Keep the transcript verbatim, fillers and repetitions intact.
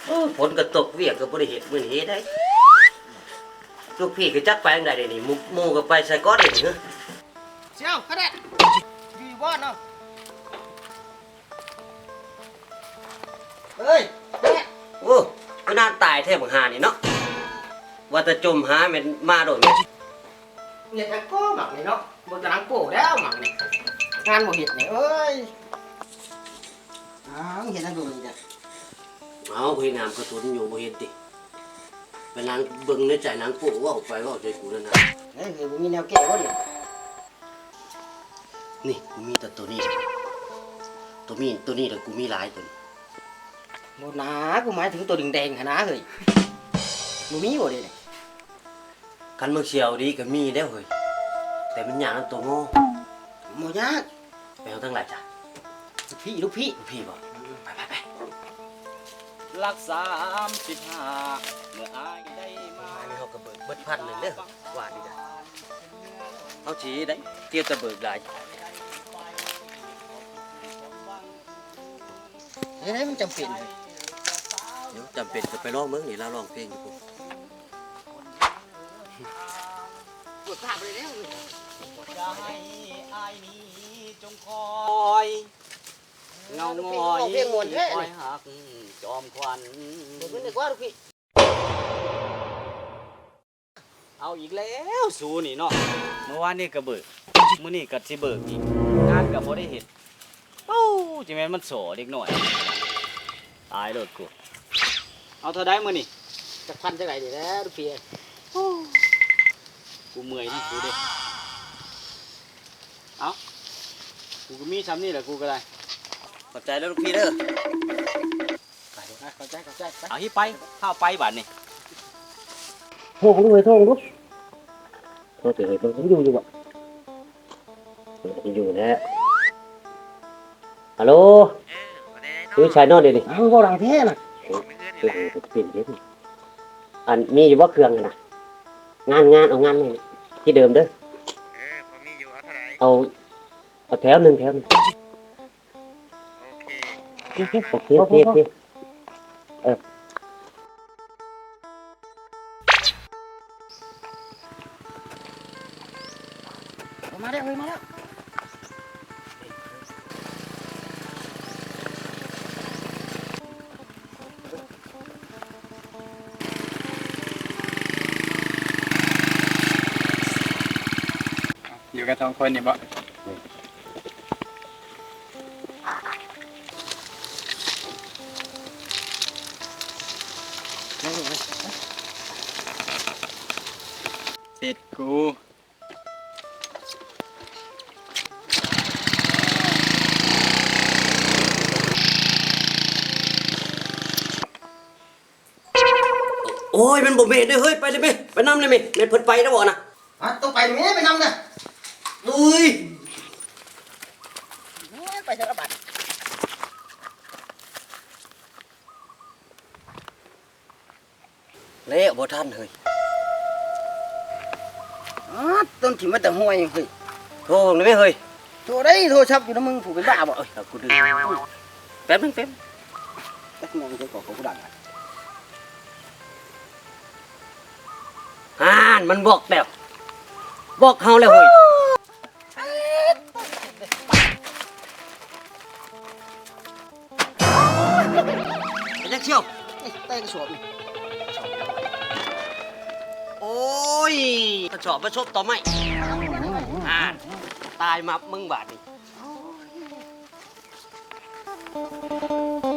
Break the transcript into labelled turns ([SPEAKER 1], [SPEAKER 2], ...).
[SPEAKER 1] ฝนก็ตกเวียกก็บ่ได้เฮ็ดมื้อนี้ได้ลูกพี่ก็จักไปจังได๋นี่หมู่หมู่ก็ไปใส่ก้อนนี่เหรอ
[SPEAKER 2] เจ้าก็ได้ดีบ่เนาะเฮ้ยแม่
[SPEAKER 1] โอ้ก็น่าตายแท้บักหานี่เนาะว่าแต่จมหาแม่นมาโดดแม่
[SPEAKER 2] เนี่ยแต่ก็หมักนี่เนาะบ่กำลังโป้แล้วหมักนี่งานบ่เฮ็ดนี่เอ้ยอ้าวเห็นอันดูนี่จ้ะ
[SPEAKER 1] เอาเฮ็ดน้ำกระตุนอยู่บ่เฮ็ดติไปนางเบิ่งในใจนางโป้ว่าออกไปว่าใจกูนั่นน่ะ
[SPEAKER 2] เฮ้ยบ่มีแนวแก้บ่ดิ
[SPEAKER 1] นี่กูมีแต่ตัวนี้ตัวมีตัวนี้แต่กูมีหลายตัว
[SPEAKER 2] บ่หนากูหมายถึงตัวแดงๆหั่นนะเฮ้ยบ่มีบ่ดิ
[SPEAKER 1] คันมึงเชียวดีก็มีแล้วเฮ้ยแต่มันยากนำตัวโง่
[SPEAKER 2] บ่ยาก
[SPEAKER 1] ไปเอาทั้งหลายจ้ะ
[SPEAKER 2] ลูกพี่ลูกพี่
[SPEAKER 1] ลูกพี่บ่ไปไปไป
[SPEAKER 3] รักสามสิบห้าเมื่ออายได้มา
[SPEAKER 1] อันนี้เขาก็เบิกเบิดพันเลยเด้อว่าดีจ้ะเขาชี้ได้เตี้ยจะเบิกหลาย
[SPEAKER 2] เฮ้ยมันจำเป็น
[SPEAKER 1] เดี๋ยวจำเป็นจะไปร้องเมืองนี่แล้วร้องเพลงอยู่ปุ๊บ
[SPEAKER 2] ปวดภาพเลยแล้ว
[SPEAKER 3] จะให้อายนี้จงคอยเงางอยคอยหักจอมควัน
[SPEAKER 2] บ่เป็นนึกว่าลูกพี่
[SPEAKER 3] เอาอีกแล้วสูนี่เนาะเมื่อวานนี่ก็เบิกมื้อนี้ก็สิเบิกอีกงานก็บ่ได้เฮ็ดโอ้จิแม่นมันโสเด็กน้อยตายโลดกูเอาเท่าใดมื้อนี้
[SPEAKER 2] จักพันจักไหนดิแล้วลูกพี่
[SPEAKER 3] กูเมื่อยนี่กูเด้เอากูก็มีซ้ำนี่แหละกูก็ได้
[SPEAKER 1] ขอบใจแล้วลูกพี่เด้อ
[SPEAKER 2] ไปนะเข้าใจเข้าใจไป
[SPEAKER 3] เอาฮิไปข้าวไปบัดนี่
[SPEAKER 2] โทรผมเลยโทรผม
[SPEAKER 1] โทษเถอะผมอยู่อยู่บ่อยู่นะฮัลโหลคือชายนอนเดี๋ยวนี้
[SPEAKER 2] อ้าวบ่ดังแท้น่ะ
[SPEAKER 1] หลังจะเปลี่ยนเยอะอันมีอยู่ว่าเครื่องน่ะงานงานเอางานนี่ที่เดิมเด้อ
[SPEAKER 4] เออผมมีอยู่เอาเท่าไหร่
[SPEAKER 1] เอาเอาแถวหนึ่งแถวนึง
[SPEAKER 4] โอเค
[SPEAKER 1] โอเคโอเคโอเคเออ
[SPEAKER 2] มาแล้วเฮ้ยมาแล้ว
[SPEAKER 4] อยู่กันสองคนนี่บ่เสร็จกู
[SPEAKER 1] โอ้ยมันบ่เมดเด้อเฮ้ยไปเลยแม่ไปนำเลยแม่แม่เพิ่นไปแล้วบ่น่ะ
[SPEAKER 2] อ่ะต้องไปแม่ไปนำน่ะ
[SPEAKER 1] อุ้ย
[SPEAKER 2] ไปสารบัด
[SPEAKER 1] เละบ่ทันเฮ้ย
[SPEAKER 2] อ๋อต้นถิ่มมาแต่ห้วยเฮ้ย
[SPEAKER 1] โทรเลยแม่เฮ้ย
[SPEAKER 2] โทรได้โทรศัพท์อยู่นะมึงผู้เป็นบ้าบ่
[SPEAKER 1] เอ้ยกูดื้อแป๊บนึงแป๊บ
[SPEAKER 2] ตักมองจะก่อกูดัง
[SPEAKER 1] อ่านมันบอกแล้วบอกเฮาแล้วเฮ้ยไปจักเชี่ยว
[SPEAKER 2] เต้กระสอบนี่
[SPEAKER 1] โอ้ยกระสอบมาชบต่อไม่อ่านตายมามึงบาดนี่